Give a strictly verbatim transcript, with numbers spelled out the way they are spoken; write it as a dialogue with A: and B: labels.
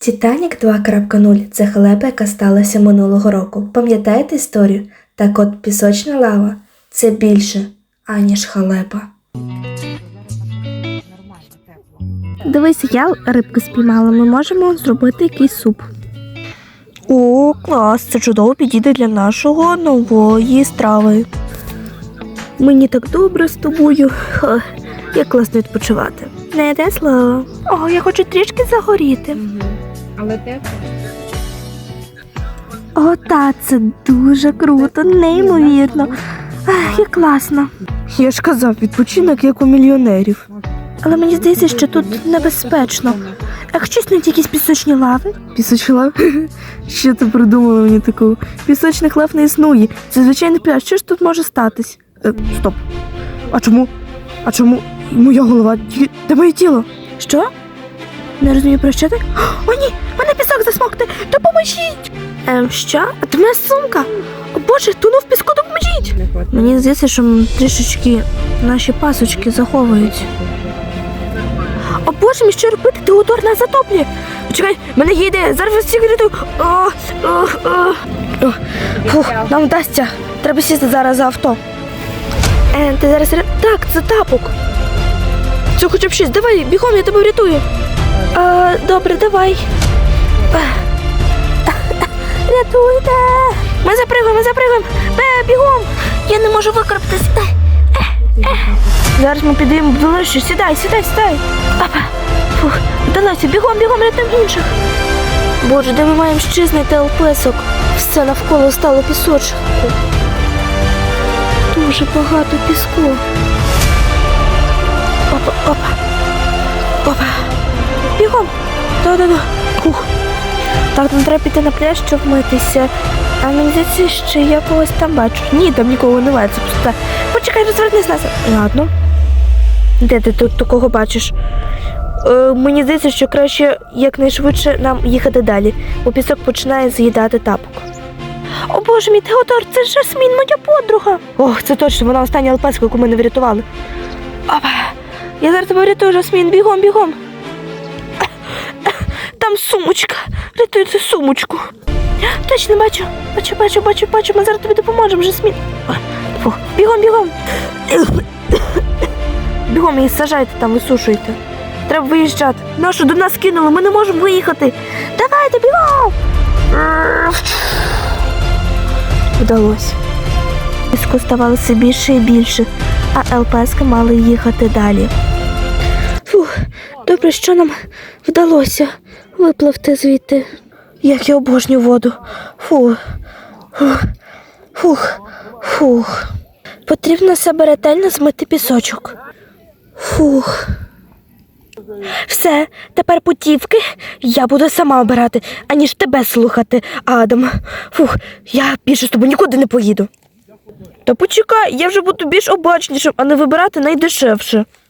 A: Титанік два крапка нуль – це халепа, яка сталася минулого року. Пам'ятаєте історію? Так от пісочна лава – це більше, аніж халепа.
B: Дивись, я рибку спіймала, ми можемо зробити якийсь суп.
C: О, клас, це чудово підійде для нашого нової страви.
B: Мені так добре з тобою. Ха, як класно відпочивати.
C: Не те слово. О, я хочу трішки загоріти.
D: Угу. Але тепло.
B: О, та, це дуже круто, неймовірно. Ах, як класно.
C: Я ж казав, відпочинок як у мільйонерів.
B: Але мені здається, що тут небезпечно. Якщо снуть якісь пісочні лави.
C: Пісочні лави? Що ти придумала мені таку? Пісочних лав не існує. Це звичайний пляж. Що ж тут може статись? Е, стоп. А чому? А чому моя голова? Де моє тіло?
B: Що? Не розумію, про що ти? О, ні! Мене пісок засмокти! Допоможіть! Ем, що? А то моя сумка! О, Боже, тону в піску, допоможіть! Мені здається, що м, трішечки наші пасочки заховують. О, Боже, мій, що робити? Теодор нас затоплює! Почекай, в мене є ідея! Зараз вас всіх рятую! О, о, о. О, фух, нам вдасться! Треба сісти зараз за авто. Е, ти зараз... ре- Так, це тапок! Це хоча б щось, давай, бігом, я тебе врятую. А, добре, давай. Рятуйте! Ми запригуємо, ми запригуємо. Бе, бігом! Я не можу викарабкатись. Зараз ми підемо в долину. Сідай, сідай, сідай. Опа. Фух, вдалося, бігом, бігом, рятуємо інших. Боже, де ми маємо ще знайти алпесок? Все навколо стало пісочку. Дуже багато піску. Опа, опа. Опа. Бігом. Да-да-да. Ух. Так, нам треба піти на пляж, щоб митися. А мені здається, що я когось там бачу. Ні, там нікого немає, це просто. Почекай, розвернись нас. Ладно. Де ти тут такого бачиш? Е, мені здається, що краще якнайшвидше нам їхати далі, бо пісок починає з'їдати тапок. О Боже мій, Теодор, це ж Жасмін, моя подруга. Ох, це точно, вона остання алпеска, яку ми не врятували. Опа. Я зараз тебе врятую, Жасмін, бігом, бігом. Там сумочка. Рятуй цю сумочку. Точно бачу. Бачу, бачу, бачу, бачу. Ми зараз тобі допоможемо, Жасмін. Фу. Бігом, бігом. Бігом її сажайте там, висушуйте. Треба виїжджати. Нашу до нас кинули, ми не можемо виїхати. Давайте, бігом. Вдалося. Піску ставало все більше і більше, а ЛПСки мали їхати далі. Фух, добре, що нам вдалося випливти звідти. Як я обожнюю воду. Фух, фух, фух, фух. Потрібно себе ретельно змити пісочок. Фух. Все, тепер путівки я буду сама обирати, аніж тебе слухати, Адам. Фух, я більше з тобою нікуди не поїду. Та почекай, я вже буду більш обачнішим, а не вибирати найдешевше.